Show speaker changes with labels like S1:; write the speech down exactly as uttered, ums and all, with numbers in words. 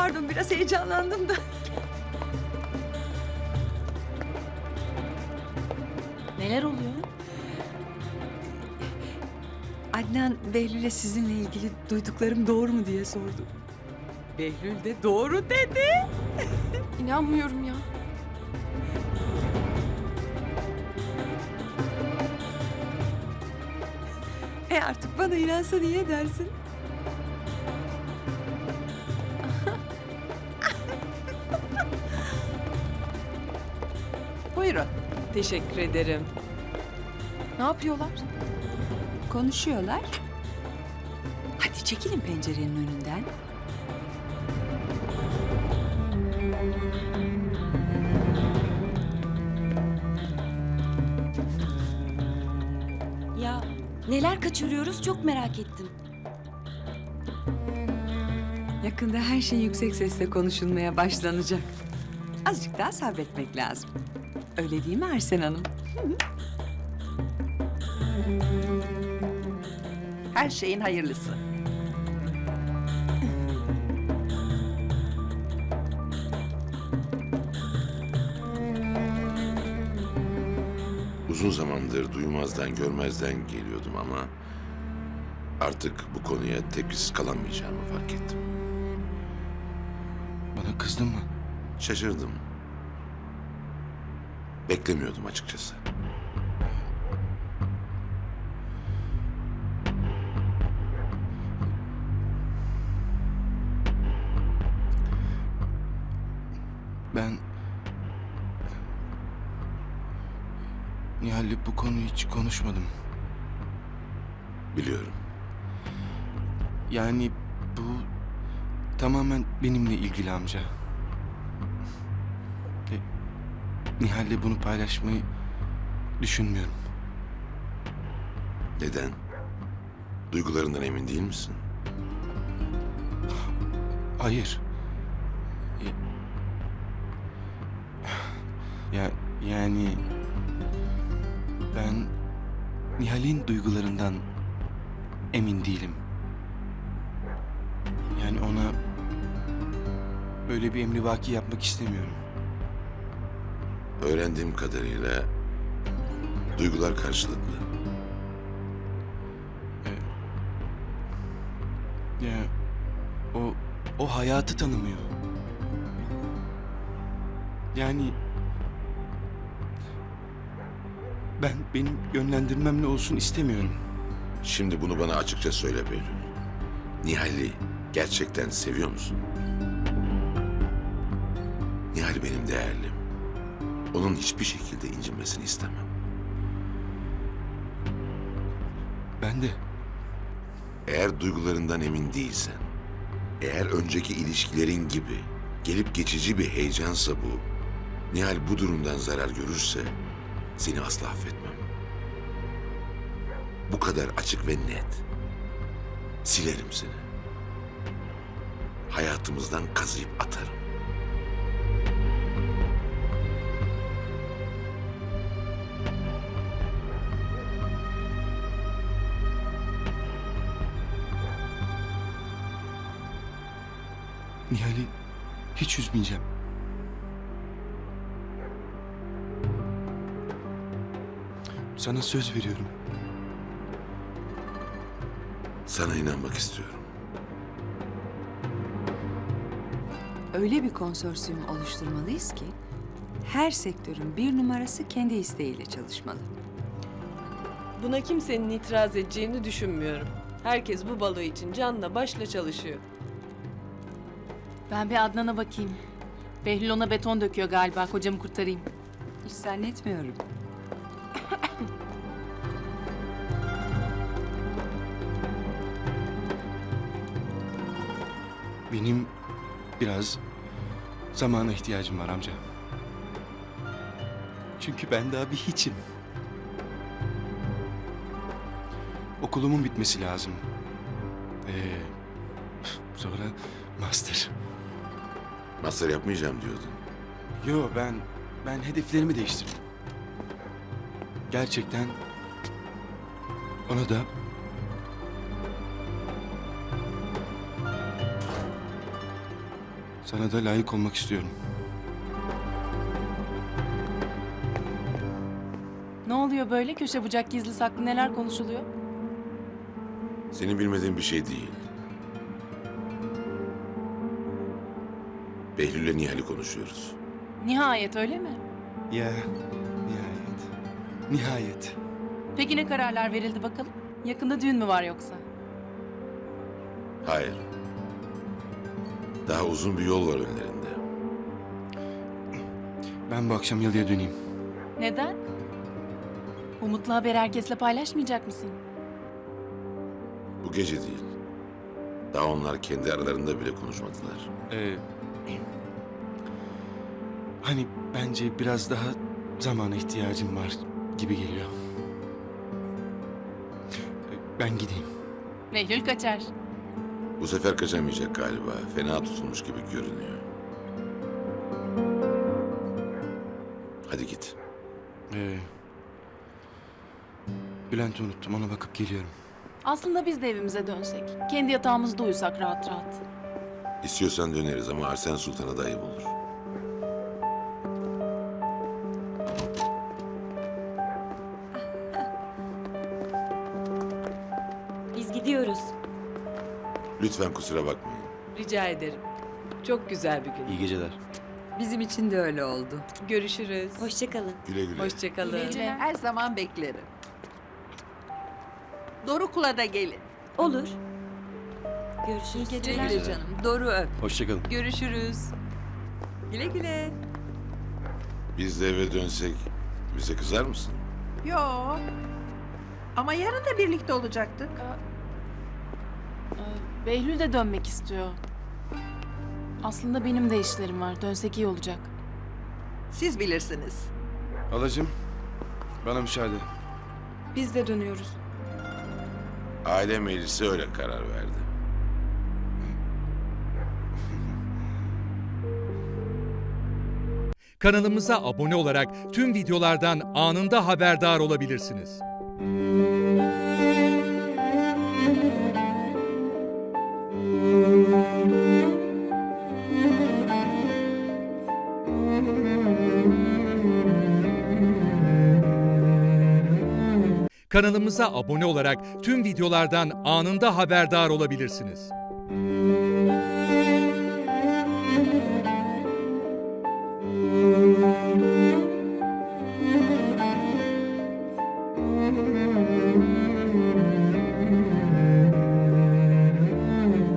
S1: pardon biraz heyecanlandım da.
S2: Neler oluyor?
S1: Adnan Behlül'e sizinle ilgili duyduklarım doğru mu diye sordu. Behlül de doğru dedi.
S3: İnanmıyorum ya.
S1: E artık bana inansa niye dersin? Buyurun.
S4: Teşekkür ederim.
S3: Ne yapıyorlar?
S1: Konuşuyorlar. Hadi çekilin pencerenin önünden.
S2: Ya neler kaçırıyoruz çok merak ettim.
S1: Yakında her şey yüksek sesle konuşulmaya başlanacak. Azıcık daha sabretmek lazım. Öyle değil mi Arsen Hanım? Her şeyin hayırlısı.
S5: Uzun zamandır duymazdan görmezden geliyordum ama artık bu konuya tepkisiz kalamayacağımı fark ettim.
S6: Bana kızdın mı?
S5: Şaşırdım. Beklemiyordum açıkçası.
S6: Ben... Nihal'le bu konuyu hiç konuşmadım.
S5: Biliyorum.
S6: Yani bu tamamen benimle ilgili amca. Ve Nihal'le bunu paylaşmayı düşünmüyorum.
S5: Neden? Duygularından emin değil misin?
S6: Hayır. E, Ya yani ben Nihal'in duygularından emin değilim. Yani ona böyle bir emrivaki yapmak istemiyorum.
S5: Öğrendiğim kadarıyla duygular karşılıklı.
S6: Ya o o hayatı tanımıyor. Yani ben benim yönlendirmemle olsun istemiyorum.
S5: Şimdi bunu bana açıkça söyle Behlül. Nihal'i gerçekten seviyor musun? Nihal benim değerlim. Onun hiçbir şekilde incinmesini istemem.
S6: Ben de
S5: Eğer duygularından emin değilsen, eğer önceki ilişkilerin gibi gelip geçici bir heyecansa bu, Nihal bu durumdan zarar görürse seni asla affetmem. Bu kadar açık ve net. Silerim seni. Hayatımızdan kazıyıp atarım.
S6: Nihal'i hiç üzmeyeceğim. Sana söz veriyorum.
S5: Sana inanmak istiyorum.
S1: Öyle bir konsorsiyum oluşturmalıyız ki her sektörün bir numarası kendi isteğiyle çalışmalı.
S4: Buna kimsenin itiraz edeceğini düşünmüyorum. Herkes bu balo için canla başla çalışıyor.
S3: Ben bir Adnan'a bakayım. Behlül ona beton döküyor galiba. Kocamı kurtarayım.
S1: Hiç zannetmiyorum.
S6: Benim biraz zamana ihtiyacım var amca. Çünkü ben daha bir hiçim. Okulumun bitmesi lazım. Ee, sonra master.
S5: Master yapmayacağım diyordun.
S6: Yo ben ben hedeflerimi değiştirdim. Gerçekten ona da Sana da layık olmak istiyorum.
S3: Ne oluyor böyle? Köşe bucak gizli saklı neler konuşuluyor?
S5: Senin bilmediğin bir şey değil. Behlül'le Nihal'i konuşuyoruz.
S3: Nihayet öyle mi?
S6: Ya, nihayet. Nihayet.
S3: Peki ne kararlar verildi bakalım? Yakında düğün mü var yoksa?
S5: Hayır. Daha uzun bir yol var önlerinde.
S6: Ben bu akşam yalıya döneyim.
S3: Neden? Bu mutlu haberi herkesle paylaşmayacak mısın?
S5: Bu gece değil. Daha onlar kendi aralarında bile konuşmadılar.
S6: Ee, hani bence biraz daha zamana ihtiyacım var gibi geliyor. Ee, Ben gideyim.
S3: Behlül kaçar.
S5: Bu sefer kaçamayacak galiba. Fena tutulmuş gibi görünüyor. Hadi git.
S6: Ee, Bülent'i unuttum. Ona bakıp geliyorum.
S3: Aslında biz de evimize dönsek. Kendi yatağımızda uyusak rahat rahat.
S5: İstiyorsan döneriz ama Arsen Sultan'a da ayıp olur.
S2: Biz gidiyoruz.
S5: Lütfen kusura bakmayın.
S4: Rica ederim. Çok güzel bir gün.
S6: İyi geceler.
S1: Bizim için de öyle oldu.
S4: Görüşürüz.
S2: Hoşçakalın.
S5: Güle güle.
S4: Hoşçakalın.
S7: Her zaman beklerim. Doruk'la da gelin.
S2: Olur. Görüşürüz.
S1: Güle güle canım. Doğru öp.
S6: Hoşçakalın.
S1: Görüşürüz. Güle güle.
S5: Biz de eve dönsek bize kızar mısın?
S7: Yo. Ama yarın da birlikte olacaktık.
S3: Ee, Behlül de dönmek istiyor. Aslında benim de işlerim var. Dönsek iyi olacak.
S7: Siz bilirsiniz.
S6: Halacığım, bana müsaade.
S4: Biz de dönüyoruz.
S5: Aile meclisi öyle karar verdi.
S8: Kanalımıza abone olarak tüm videolardan anında haberdar olabilirsiniz. Kanalımıza abone olarak tüm videolardan anında haberdar olabilirsiniz.
S2: Müzik